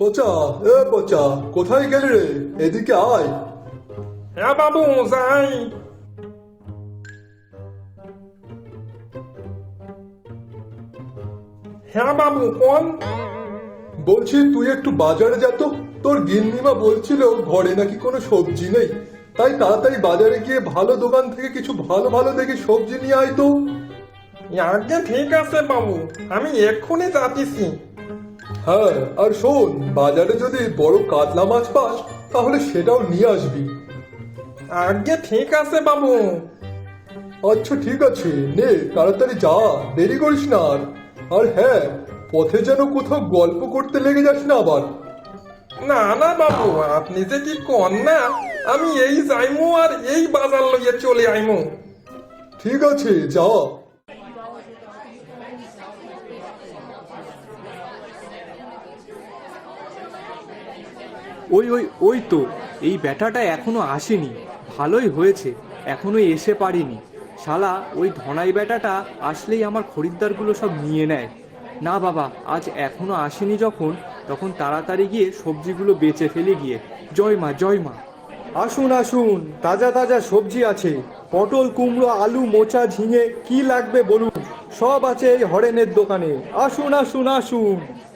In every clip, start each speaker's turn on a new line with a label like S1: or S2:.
S1: পচা, এ পচা, কোথায় গেলি রে? এদিকে আয়।
S2: হ্যাঁ বাবু, যাই। হ্যাঁ বাবু, কোন?
S1: বলছি তুই একটু বাজারে যা তো। তোর গিন্নিমা বলছিল ঘরে নাকি কোনো সবজি নেই, তাই তাড়াতাড়ি বাজারে গিয়ে ভালো দোকান থেকে কিছু ভালো ভালো দেখে সবজি নিয়ে আয় তো।
S2: আগে ঠিক আছে বাবু, আমি এক্ষুনি যাচ্ছি।
S1: হ্যাঁ, আর শোন, বাজারে যদি বড় কাতলা মাছ পাস তাহলে সেটাও নিয়ে আসবি।
S2: আগে ঠিক আছে বাবু।
S1: আচ্ছা ঠিক আছে, নে তাড়াতাড়ি যা, দেরি করিস না আর। আর হ্যাঁ, পথে যেন কোথাও গল্প করতে লেগে যাস না আবার।
S2: না না বাবু, আপনি যে কি কন না, আমি এই যাইমু আর এই বাজার লইয়ে চলে আইমু।
S1: ঠিক আছে, যা।
S3: ওই ওই ওই তো, এই ব্যাটাটা এখনো আসেনি। ভালোই হয়েছে এখনো এসে পারিনি। শালা ওই ধনাই ব্যাটাটা আসলেই আমার খরিদ্দারগুলো সব নিয়ে নেয়। না বাবা, আজ এখনো আসেনি যখন, তখন তাড়াতাড়ি গিয়ে সবজিগুলো বেচে ফেলে গিয়ে। জয় মা, জয় মা। আসুন আসুন, তাজা তাজা সবজি আছে। পটল, কুমড়ো, আলু, মোচা, ঝিঙে, কি লাগবে বলুন, সব আছে এই হরেনের দোকানে। আসুন আসুন আসুন।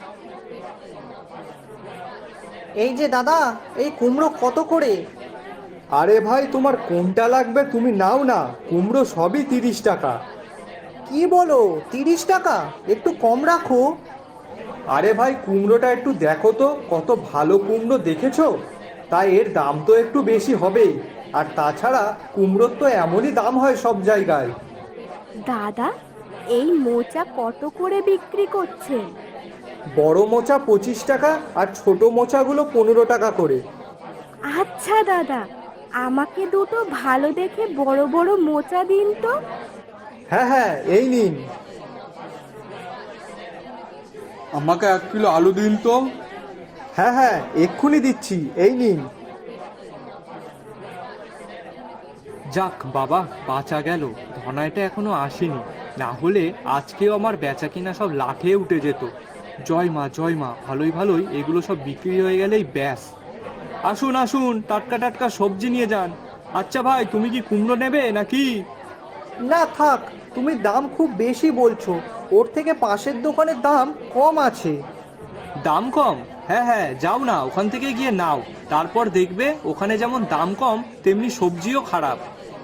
S4: এই যে দাদা, এই কুমড়ো কত করে?
S3: আরে ভাই, তোমার কোনটা লাগবে তুমি নাও না, কুমড়ো সবই 30 টাকা।
S4: কি বলো, 30 টাকা? একটু কম রাখো।
S3: আরে ভাই, কুমড়োটা একটু দেখো তো, কত ভালো কুমড়ো দেখেছো, তাই এর দাম তো একটু বেশি হবেই। আর তাছাড়া কুমড়োর তো এমনই দাম হয় সব জায়গায়।
S5: দাদা, এই মোচা কত করে বিক্রি করছেন?
S3: বড় মোচা 25 টাকা, আর ছোট মোচাগুলো 15 টাকা করে।
S5: আচ্ছা দাদা, আমাকে দুটো ভালো দেখে বড় বড় মোচা দিন তো।
S3: হ্যাঁ হ্যাঁ, এই নিন।
S6: আমাকে 1 কিলো আলু দিন তো।
S3: হ্যাঁ হ্যাঁ, এক্ষুনি দিচ্ছি, এই নিন। যাক বাবা, বাঁচা গেল, ধনাইটা এখনো আসেনি, না হলে আজকেও আমার বেচা কিনা সব লাঠে উঠে যেত। জয় মা, জয় মা, ভালোই ভালোই এগুলো সব বিক্রি হয়ে গেলেই ব্যাস। আসুন আসুন, টাটকা টাটকা সবজি নিয়ে যান। আচ্ছা ভাই, তুমি কি কুমড়ো নেবে নাকি?
S4: না থাক, তুমি দাম খুব বেশি বলছো। ওর থেকে পাশের দোকানের দাম কম আছে।
S3: দাম কম? হ্যাঁ হ্যাঁ, যাও না, ওখান থেকে গিয়ে নাও। তারপর দেখবে ওখানে যেমন দাম কম, তেমনি সবজিও খারাপ।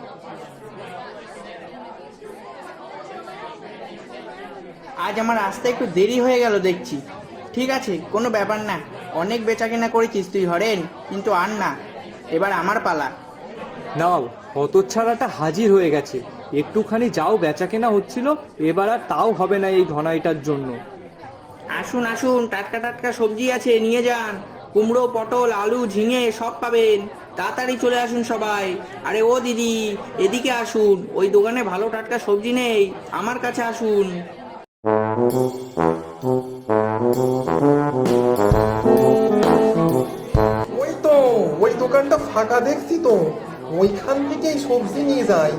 S7: আজ আমার আসতে একটু দেরি হয়ে গেল দেখছি। ঠিক আছে, কোনো ব্যাপার না। অনেক বেচাকেনা করেছিস তুই হরেন, কিন্তু আর না, এবার আমার পালা।
S3: নাও, হতচ্ছাড়াটা হাজির হয়ে গেছে। একটুখানি যাও বেচাকেনা হচ্ছিল, এবার আর তাও হবে না এই ধনাইটার জন্য।
S7: আসুন আসুন, টাটকা টাটকা সবজি আছে, নিয়ে যান। কুমড়ো, পটল, আলু, ঝিঙে সব পাবেন। তাড়াতাড়ি চলে আসুন সবাই। আরে ও দিদি, এদিকে আসুন, ওই দোকানে ভালো টাটকা সবজি নেই, আমার কাছে আসুন।
S2: ওই তো, ওই দোকানটা ফাঁকা দেখছি তো, ওইখান থেকেই সবজি নিয়ে যাই।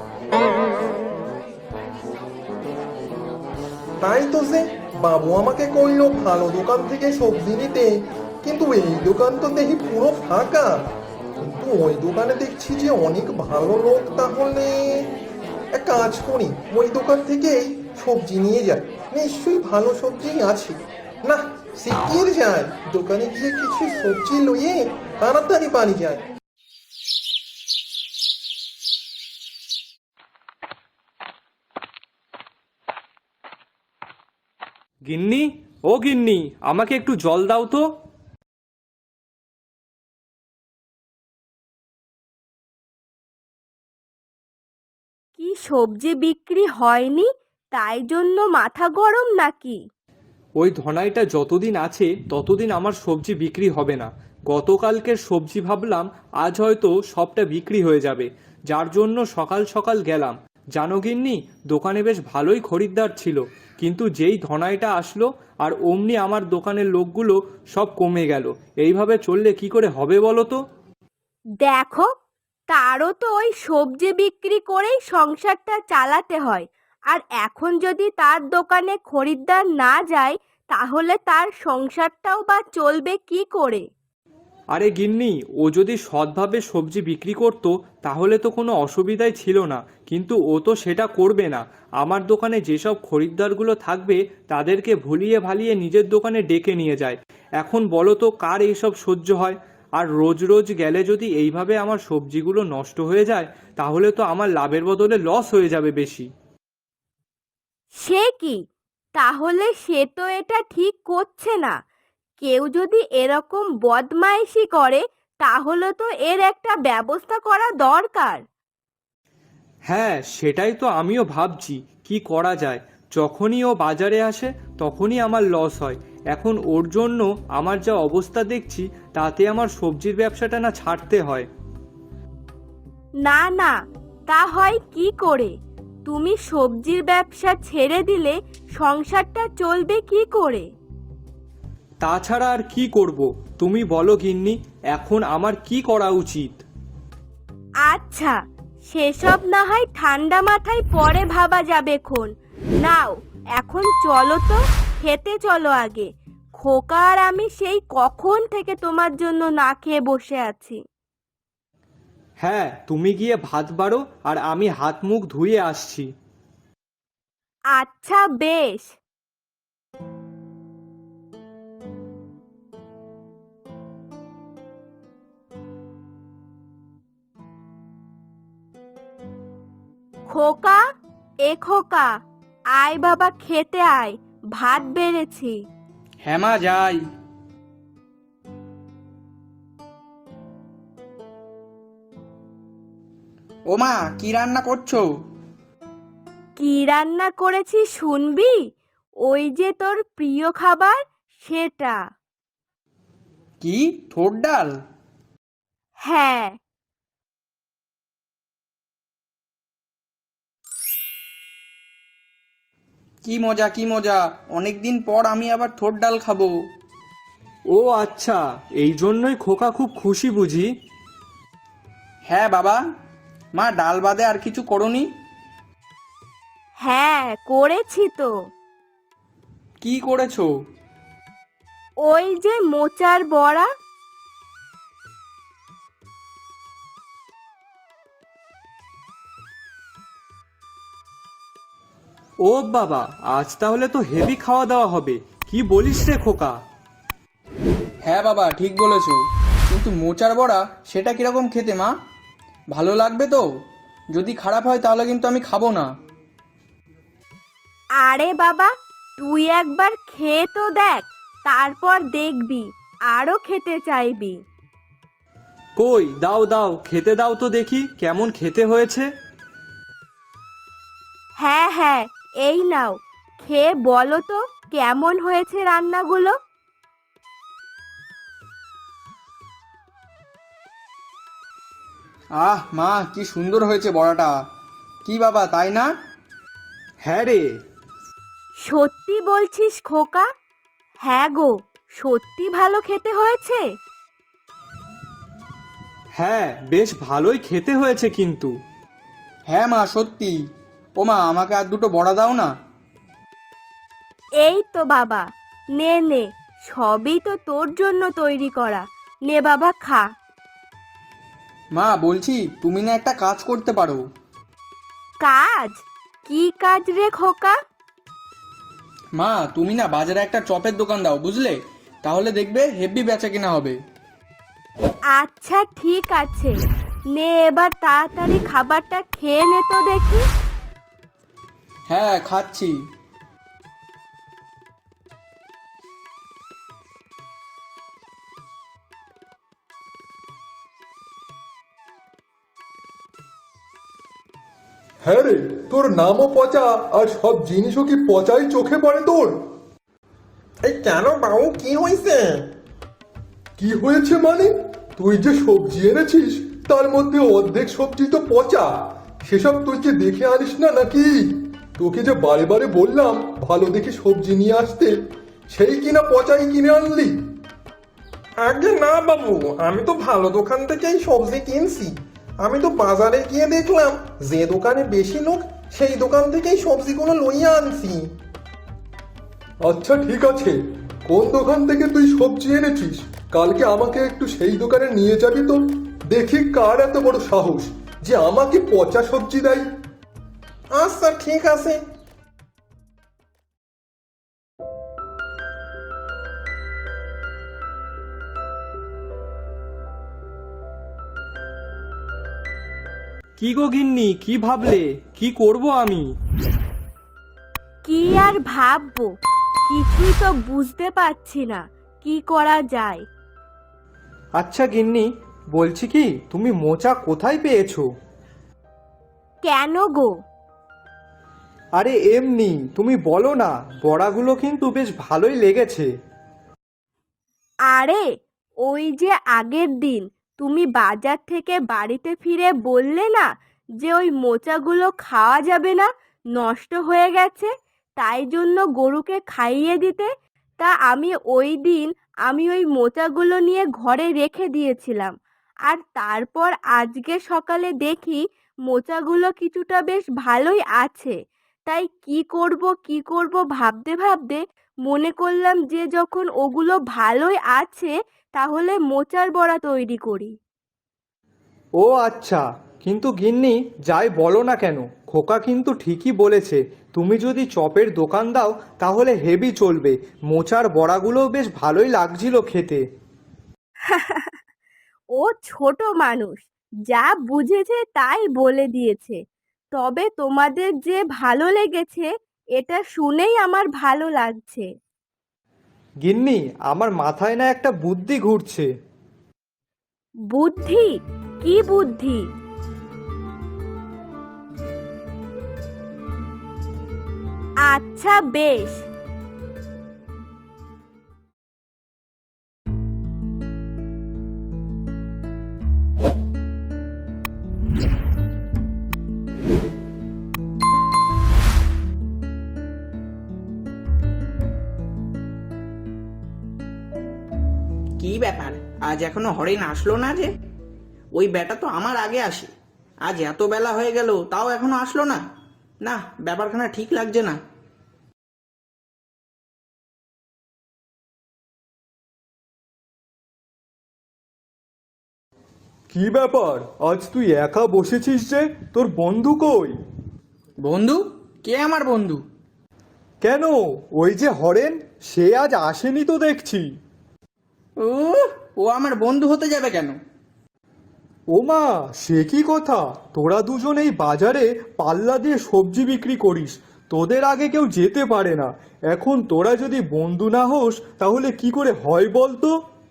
S2: তাই তো, যে বাবু আমাকে কইলো ভালো দোকান থেকে সবজি নিতে, কিন্তু এই দোকান তো দেখি পুরো ফাঁকা। কিন্তু ওই দোকানে দেখছি যে অনেক ভালো লোক, তাহলে এক কাজ করি, ওই দোকান থেকেই সবজি নিয়ে যাই, নিশ্চয়ই ভালো সবজি আছে। না, শিগগির যায়, দোকানে গিয়ে কিছু সবজি লইয়ে তাড়াতাড়ি বাড়ি যায়।
S3: গিন্নি, ও গিন্নি, আমাকে একটু জল দাও তো।
S5: কি সবজি বিক্রি হয়নি, তাই জন্য মাথা গরম নাকি?
S3: ওই ধনাইটা যতদিন আছে ততদিন আমার সবজি বিক্রি হবে না। গতকালকের সবজি ভাবলাম আজ হয়তো সবটা বিক্রি হয়ে যাবে, যার জন্য সকাল সকাল গেলাম। জানো গিন্নি, দোকানে বেশ ভালোই খরিদ্দার ছিল, কিন্তু যেই ধনাইটা আসলো আর অমনি আমার দোকানের লোকগুলো সব কমে গেল। এইভাবে চললে কি করে হবে বলো তো?
S5: দেখো, তারও তো ওই সবজি বিক্রি করেই সংসারটা চালাতে হয়। আর এখন যদি তার দোকানে খরিদ্দার না যায়, তাহলে তার সংসারটাও বা চলবে কি করে?
S3: আরে গিন্নি, ও যদি সৎভাবে সবজি বিক্রি করতো তাহলে তো কোনো অসুবিধাই ছিল না, কিন্তু ও তো সেটা করবে না। আমার দোকানে যেসব খরিদ্দারগুলো থাকবে তাদেরকে ভুলিয়ে ভালিয়ে নিজের দোকানে ডেকে নিয়ে যায়। এখন বলো তো কার এইসব সহ্য হয়? আর রোজ রোজ গেলে যদি এইভাবে আমার সবজিগুলো নষ্ট হয়ে যায় তাহলে তো আমার লাভের বদলে লস হয়ে যাবে বেশি।
S5: সে কি? তাহলে সে তো এটা ঠিক করছে না। কেউ যদি এরকম বদমাইশি করে তাহলে তো এর একটা ব্যবস্থা করা দরকার।
S3: হ্যাঁ, সেটাই তো আমিও ভাবছি কি করা যায়। যখনই ও বাজারে আসে তখনই আমার লস হয়। এখন ওর জন্য আমার যা অবস্থা দেখছি তাতে আমার সবজির ব্যবসাটা না ছাড়তে হয়।
S5: না না, তা হয় কি করে? তুমি সবজির ব্যবসা ছেড়ে দিলে সংসারটা চলবে কি করে?
S3: তাছাড়া আর কি করব? তুমি বলো গিন্নি, এখন আমার কি করা উচিত?
S5: আচ্ছা, সেসব না হয় ঠান্ডা মাথায় পরে ভাবা যাবে খন। নাও, এখন চলো তো, খেতে চলো আগে। খোকা আর আমি সেই কখন থেকে তোমার জন্য না খেয়ে বসে আছি।
S3: হ্যাঁ, তুমি গিয়ে ভাত বাড়ো আর আমি হাত মুখ ধুয়ে আসছি।
S5: আচ্ছা বেশ। খোকা, এ খোকা, আয় বাবা খেতে আয়, ভাত বেড়েছি।
S7: হ্যাঁ মা, যাই। ও মা, কি রান্না করছো?
S5: কি রান্না করেছি শুনবি? ওই যে তোর প্রিয় খাবার, সেটা।
S7: কি, ঠোঁট ডাল?
S5: হ্যাঁ।
S7: কি মজা, কি মজা! অনেকদিন পর আমি আবার ঠোঁট ডাল খাবো।
S3: ও আচ্ছা, এই জন্যই খোকা খুব খুশি বুঝি?
S7: হ্যাঁ বাবা। মা, ডাল বাদে আর কিছু করনি?
S5: হ্যাঁ, করেছি তো।
S7: কি করেছো?
S5: ওই যে মোচার বড়া।
S3: ও বাবা, আজ তাহলে তো হেভি খাওয়া দাওয়া হবে। কি বলিস রে খোকা?
S7: হ্যাঁ বাবা, ঠিক বলেছো। কিন্তু মোচার বড়া সেটা কিরকম খেতে মা? ভালো লাগবে তো? যদি খারাপ হয় তাহলে কিন্তু আমি খাবো না।
S5: আরে বাবা, তুই একবার খেয়ে তো দেখ, তারপর দেখবি আরো খেতে চাইবি।
S3: কই, দাও দাও, খেতে দাও তো দেখি কেমন খেতে হয়েছে।
S5: হ্যাঁ হ্যাঁ, এই নাও, খেয়ে বলো তো কেমন হয়েছে রান্নাগুলো।
S7: আহ মা, কি সুন্দর হয়েছে বড়াটা! কি বাবা, তাই না?
S3: হ্যাঁ রে।
S5: সত্যি বলছিস খোকা? হ্যাঁ গো, সত্যি ভালো খেতে হয়েছে।
S3: হ্যাঁ, বেশ ভালোই খেতে হয়েছে কিন্তু।
S7: হ্যাঁ মা, সত্যি। ও মা, আমাকে আর দুটো বড়া দাও না।
S5: এই তো বাবা, নে নে, সবই তো তোর জন্য তৈরি করা। নে বাবা, খা।
S7: মা, বলছি তুমি না একটা কাজ করতে পারো।
S5: কাজ? কি কাজ রে খোকা?
S7: মা, তুমি না বাজারে একটা চপের দোকান দাও, বুঝলে? তাহলে দেখবে হেভি বেচা কিনা হবে।
S5: আচ্ছা ঠিক আছে, নে এবার তাড়াতাড়ি খাবারটা খেয়ে নে তো দেখি।
S7: হ্যাঁ, খাচ্ছি।
S1: হ্যাঁ রে, তোর নামও পচা আর সব জিনিসও কি পচাই চোখে পড়ে তোর?
S2: এই কেন বাবু, কি হয়েছে?
S1: কি হয়েছে মানে? তুই যে সবজি এনেছিস তার মধ্যে অর্ধেক সবজি তো পচা। সেসব তুই কি দেখে আনিস না নাকি? তোকে যে বারে বারে বললাম ভালো দেখে সবজি নিয়ে আসতে, সেই কিনা পচাই কিনে আনলি।
S2: আগে না বাবু, আমি তো ভালো দোকান থেকেই সবজি কিনছি। আমি তো বাজারে গিয়ে দেখলাম যে দোকানে বেশি লোক সেই দোকান থেকেই সবজিগুলো লইয়া আনছি।
S1: আচ্ছা ঠিক আছে, কোন দোকান থেকে তুই সবজি এনেছিস কালকে আমাকে একটু সেই দোকানে নিয়ে যাবি তো। দেখি কার এত বড় সাহস যে আমাকে পচা সবজি দেয়।
S2: আচ্ছা ঠিক আছে।
S3: কি গো গিন্নি, কি ভাবলে? কি করব আমি?
S5: কি আর ভাববো, কিছুই তো বুঝতে পারছি না কি করা যায়।
S4: আচ্ছা গিন্নি, বলছি কি, তুমি মোচা কোথায় পেয়েছো?
S5: কেন গো?
S4: আরে এমনি, তুমি বলো না, বড়াগুলো কিন্তু বেশ ভালোই লেগেছে।
S5: আরে ওই যে আগের দিন তুমি বাজার থেকে বাড়িতে ফিরে বললে না যে ওই মোচাগুলো খাওয়া যাবে না, নষ্ট হয়ে গেছে, তাই জন্য গরুকে খাইয়ে দিতে। তা আমি ওই দিন ওই মোচাগুলো নিয়ে ঘরে রেখে দিয়েছিলাম, আর তারপর আজকে সকালে দেখি মোচাগুলো কিছুটা বেশ ভালোই আছে। তাই কি করব ভাবতে ভাবতে মনে করলাম যে যখন ওগুলো ভালোই আছে তাহলে মোচার বড়া তৈরি করি।
S4: ও আচ্ছা, কিন্তু গিন্নি যাই বলো না কেন, খোকা কিন্তু ঠিকই বলেছে। তুমি যদি চপের দোকান দাও তাহলে হেভি চলবে। মোচার বড়াগুলোও বেশ ভালোই লাগছিল খেতে।
S5: ও ছোট মানুষ, যা বুঝেছে তাই বলে দিয়েছে। তবে তোমাদের যে ভালো লেগেছে এটা শুনেই আমার ভালো লাগছে।
S4: গিন্নি, আমার মাথায় না একটা বুদ্ধি ঘুরছে।
S5: বুদ্ধি? কি বুদ্ধি? আচ্ছা বেশ।
S7: কি ব্যাপার, আজ এখনো হরিণ আসলো না যে? ওই বেটা তো আমার আগে আসে, আজ এত বেলা হয়ে গেল তাও এখনো আসলো না। না, ব্যাপারখানা ঠিক লাগছে না।
S1: কি ব্যাপার, আজ তুই একা বসেছিস যে? তোর বন্ধু কই?
S7: বন্ধু? কে আমার বন্ধু?
S1: কেন, ওই যে হরেন, সে আজ আসেনি তো দেখছি।
S7: ও, ও আমার বন্ধু হতে যাবে কেন?
S1: ওমা, সে কি কথা! তোরা দুজন এই বাজারে পাল্লা দিয়ে সবজি বিক্রি করিস, তোদের আগে কেউ যেতে পারে না। এখন তোরা যদি বন্ধু না হোস তাহলে কি করে হয় বলতো?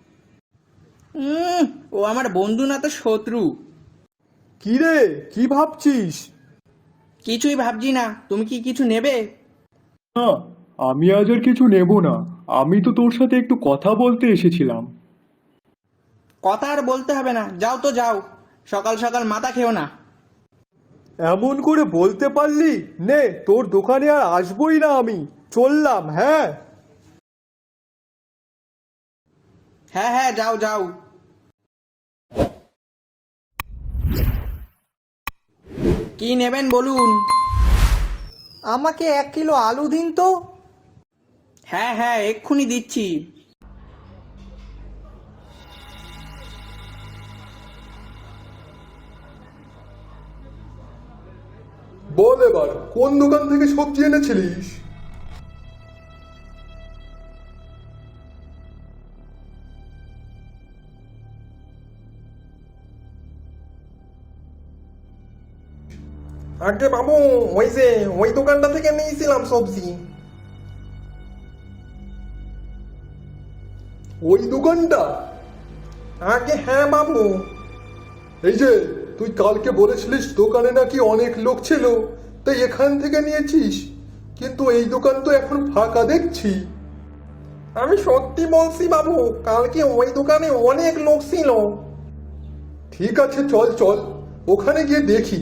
S7: ও আমার বন্ধু না তো শত্রু।
S1: কি রে, কি ভাবছিস?
S7: কিছুই ভাবছি না। তুমি কি কিছু নেবে?
S1: না, আমি আজ আর কিছু নেব না। আমি তো তোর সাথে একটু কথা বলতে এসেছিলাম।
S7: কথা আর বলতে হবে না, যাও তো যাও, সকাল সকাল মাথা খেও না।
S1: এমন করে বলতে পারলি? নে, তোর দোকানে আর আসবই না আমি, চললাম। হ্যাঁ
S7: হ্যাঁ হ্যাঁ, যাও যাও। কি নেবেন বলুন?
S4: আমাকে 1 কিলো আলু দিন তো।
S7: হ্যাঁ হ্যাঁ, এক্ষুনি দিচ্ছি।
S1: বল এবার, কোন দোকান থেকে সবজি এনেছিলিস?
S2: আগে বাবু, ওই যে ওই দোকানটা থেকে নিয়েছিলাম সবজি।
S1: ওই দোকানটা?
S2: আগে হ্যাঁ বাবু।
S1: এই যে, তুই কালকে বলেছিলিস দোকানে নাকি অনেক লোক ছিল, তাই এখান থেকে নিয়েছিস, কিন্তু এই দোকান তো এখন ফাঁকা দেখছি।
S2: আমি সত্যি বলছি বাবু, কালকে ওই দোকানে অনেক লোক ছিল।
S1: ঠিক আছে, চল চল, ওখানে গিয়ে দেখি।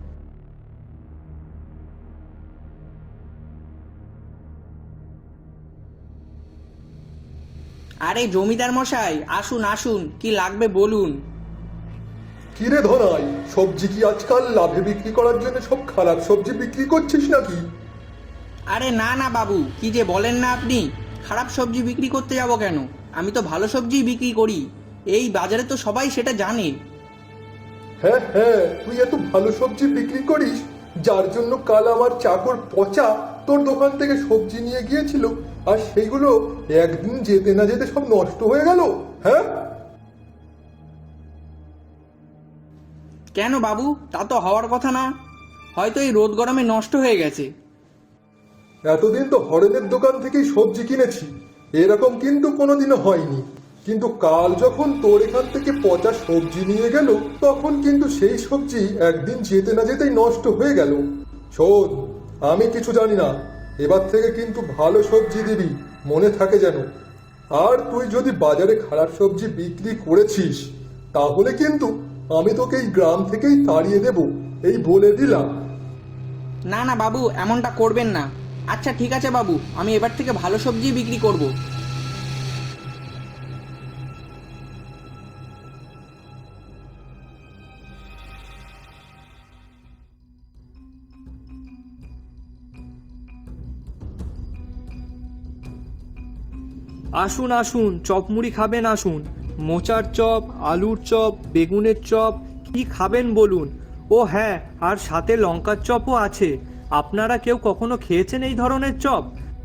S7: আরে জমিদার মশাই, আসুন আসুন, কি লাগবে বলুন।
S1: কিরে ধনাই, সবজি কি আজকাল লাভে বিক্রি করার জন্য সব খারাপ সবজি বিক্রি করছিস নাকি?
S7: আরে না না বাবু, কি যে বলেন না আপনি। খারাপ সবজি বিক্রি করতে যাব কেন? আমি তো ভালো সবজিই বিক্রি করি। এই বাজারে তো সবাই সেটা জানে।
S1: হ্যাঁ হ্যাঁ, তুই এত ভালো সবজি বিক্রি করিস, যার জন্য কাল আমার চাকর পচা তোর দোকান থেকে সবজি নিয়ে গিয়েছিল, আর সেইগুলো একদিন যেতে না যেতে সব নষ্ট হয়ে গেল। হ্যাঁ,
S7: কেন বাবু, তা তো হওয়ার কথা না। হয়তো এই রোদ গরমে নষ্ট হয়ে গেছে।
S1: এতদিন তো হরেনের দোকান থেকেই সবজি কিনেছি, এরকম কিন্তু কোনোদিনও হয়নি। কিন্তু কাল যখন তোর এখান থেকে পচা সবজি নিয়ে গেল, তখন কিন্তু সেই সবজি একদিন যেতে না যেতেই নষ্ট হয়ে গেল। শোন, আমি কিছু জানি না, এবার থেকে কিন্তু ভালো সবজি দিবি, মনে থাকে যেন। আর তুই যদি বাজারে খারাপ সবজি বিক্রি করেছিস, তাহলে কিন্তু আমি তোকে এই গ্রাম থেকেই তাড়িয়ে দেব, এই বলে দিলাম।
S7: না না বাবু, এমনটা করবেন না। আচ্ছা ঠিক আছে বাবু, আমি এবার থেকে ভালো সবজি বিক্রি করব।
S3: আসুন আসুন, চপ মুড়ি খাবেন আসুন। মোচার চপ, আলুর চপ, বেগুনের চপ, কি খাবেন বলুন। ও হ্যাঁ, আর সাথে লঙ্কার চপও আছে। আপনারা কেউ কখনো খেয়েছেন এই ধরনের চপ?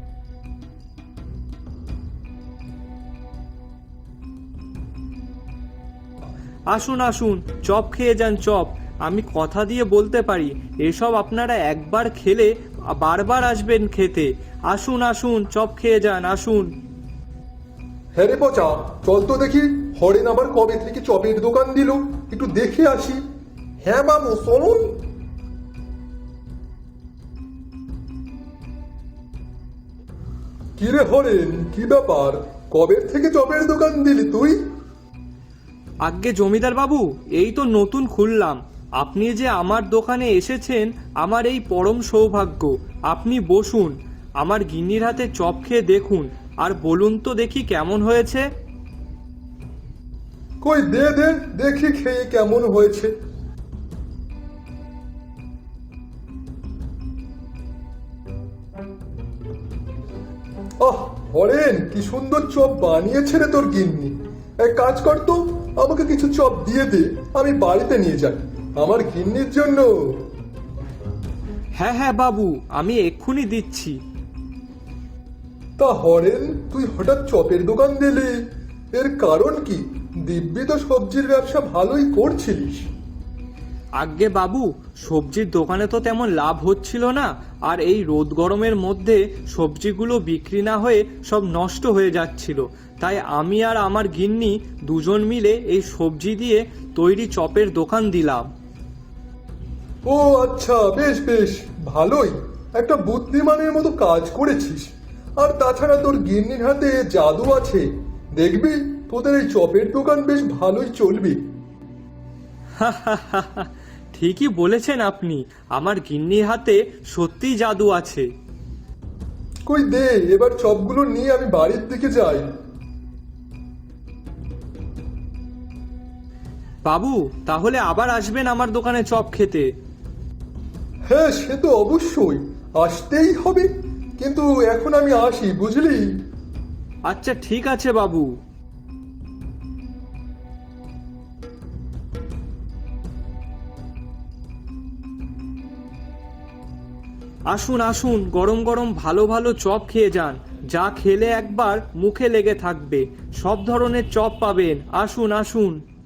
S3: আসুন আসুন, চপ খেয়ে যান চপ। আমি কথা দিয়ে বলতে পারি, এসব আপনারা একবার খেলে বারবার আসবেন খেতে। আসুন আসুন, চপ খেয়ে যান আসুন।
S1: হ্যাঁ রে পচা, চল তো দেখি হরেন আবার কবে থেকে চপের দোকান দিল, একটু দেখে আসি।
S2: হ্যাঁ বাবু, চলুন।
S1: কি রে হরেন, কি ব্যাপার, কবে থেকে চপের দোকান দিলি তুই?
S3: আজ্ঞে জমিদার বাবু, এই তো নতুন খুললাম। আপনি যে আমার দোকানে এসেছেন, আমার এই পরম সৌভাগ্য। আপনি বসুন, আমার গিন্নির হাতে চপ খেয়ে দেখুন, আর বলুন তো দেখি কেমন হয়েছে।
S1: কই দে দে, দেখি খেয়ে কেমন হয়েছে। আহ হরেন, কি সুন্দর চপ বানিয়েছে রে তোর গিন্নি। এক কাজ কর তো, আমাকে কিছু চপ দিয়ে দে, আমি বাড়িতে নিয়ে যাই আমার গিন্নির জন্য।
S3: হ্যাঁ হ্যাঁ বাবু, আমি এক্ষুনি দিচ্ছি।
S1: তা হরেন, তুই হঠাৎ চপের দোকান দিলি, এর কারণ কি? দিব্যি তো সবজির ব্যবসা ভালোই করছিলিস।
S3: আজ্ঞে বাবু, সবজির দোকানে তো তেমন লাভ হচ্ছিল না, আর এই রোদ গরমের মধ্যে সবজিগুলো বিক্রি না হয়ে সব নষ্ট হয়ে যাচ্ছিল। তাই আমি আর আমার গিন্নি দুজন মিলে এই সবজি দিয়ে তৈরি চপের দোকান দিলাম।
S1: ও আচ্ছা, বেশ বেশ, ভালোই, একটা বুদ্ধিমানের মতো কাজ করেছিস। আর তাছাড়া তোর গিন্নির হাতে জাদু আছে, দেখবি তোদের এই চপের দোকান বেশ ভালোই চলবে।
S3: ঠিকই বলেছেন আপনি, আমার গিন্নির হাতে সত্যিই জাদু আছে।
S1: কই দে, এবার চপগুলো নিয়ে আমি বাড়ির দিকে যাই।
S3: বাবু, তাহলে আবার আসবেন আমার দোকানে চপ খেতে।
S1: হ্যাঁ, সে তো অবশ্যই, আসতেই হবে। কিন্তু এখন আমি আসি, বুঝলি?
S3: আচ্ছা ঠিক আছে বাবু। আসুন আসুন, গরম গরম ভালো ভালো চপ খেয়ে যান, যা খেলে একবার মুখে লেগে থাকবে। সব ধরনের চপ পাবেন, আসুন আসুন।